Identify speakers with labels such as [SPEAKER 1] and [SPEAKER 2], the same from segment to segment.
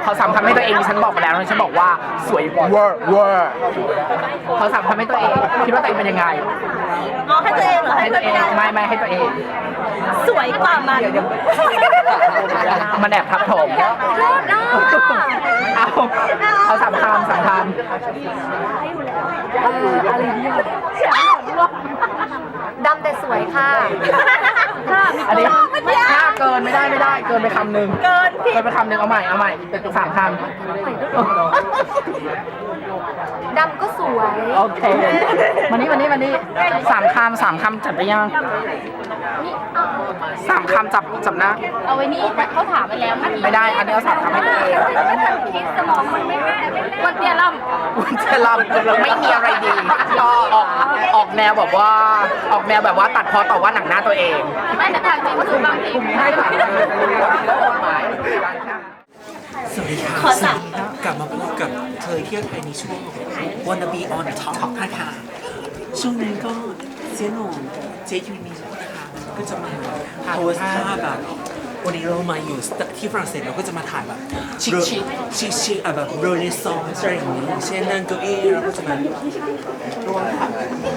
[SPEAKER 1] เขาสามคำให้ตัวเองดิฉันบอกไปแล้วฉันบอกว่าสวยเวอร์เขาสามคำให้ตัวเองคิดว่าตัวเองเป็นยังไง
[SPEAKER 2] อ๋อให้ตัวเองเหรอ
[SPEAKER 1] ให้ตัวเองไม่ให้ตัวเอง
[SPEAKER 2] สวยกว่ามัน
[SPEAKER 1] มันแอบทับถมเอาสามคำ
[SPEAKER 3] ดำแต่สวยค่ะ
[SPEAKER 1] อันนี้ถ้าเกินไม่ได้เกินไปคำหนึ่งไปคำหนึ่งเอาใหม่สามคำ
[SPEAKER 3] ดำก็สวย
[SPEAKER 1] โอเคมานี่สามคำจัดไปยังสามคำจับนะ
[SPEAKER 3] เอาไว้นี่เขาถามไปแล้ว
[SPEAKER 1] ไม่ได้อันนี้เอาสามคำให้ตัวเอง
[SPEAKER 3] คิดสมองมันไม่ได้วันเดียวล่
[SPEAKER 1] คุณจะรำไม่มีอะไรดีก็ออกแนวแบบว่าตัดพอต่อว่าหนังหน้าตัวเอง
[SPEAKER 3] ำไม่แต่ทางจริงคือบางที
[SPEAKER 1] ให้ค่ะ
[SPEAKER 4] สวัสดีค่ะ
[SPEAKER 2] ขอสาม
[SPEAKER 4] กลับมาพบกับเธอเที่ยวไทยในช่วง Wanna Be on Top นะคะช่วงนี้ก็เซียโหน่งเจยูนีนะคะก็จะมาโพสท่าแบบวันนี้เรามาอยู่ที่ฝรั่งเศสเราก็จะมาถ่ายแบบชิคแบบเรเนซองส์อะไรอย่างเงี้ยเช่นนั่งเก้าอี้เราก็จะมาร่วมถ่าย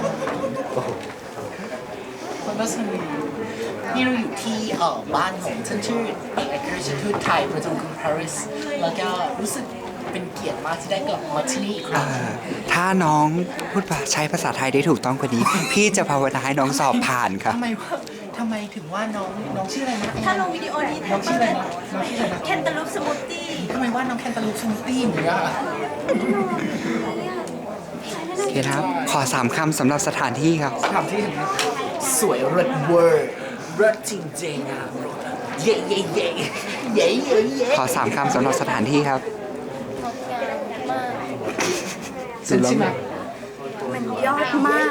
[SPEAKER 4] คนก็สนุกนี่เราอยู่ที่บ้านของฉันชื่อเอกอัครราชทูตไทยประจำกรุงปารีสแล้วก็รู้สึกเป็นเกียรติมากที่ได้กลับมาที่นี่อีกครั้ง
[SPEAKER 5] ถ้าน้องพูดใช้ภาษาไทยได้ถูกต้องกว่านี้ พี่จะภาวนาให้น้องสอบผ่านครับ
[SPEAKER 4] ทำไมถึงว่าน้องชื่ออะไรนะ
[SPEAKER 2] ถ้าลงวิดีโอนี้
[SPEAKER 4] น้องชื่ออะไรนะน้องชื่ออะไรนะ
[SPEAKER 2] แคนตาลูปสมูทตี้
[SPEAKER 4] ทำไมว่าน้องแคนตาลูปสมูทตี้เหมือนกันอะ
[SPEAKER 5] โอเคครับ ขอ3 คำสำหรับสถานที่ครับ
[SPEAKER 4] ถามที่เห็นไหมสวยเลิศเวอร์เลิศจริงๆอ่ะเย่
[SPEAKER 5] ขอ3 คำสำหรับสถานที่ครับ
[SPEAKER 4] ฉันใช่ไหม
[SPEAKER 2] มันยอดมาก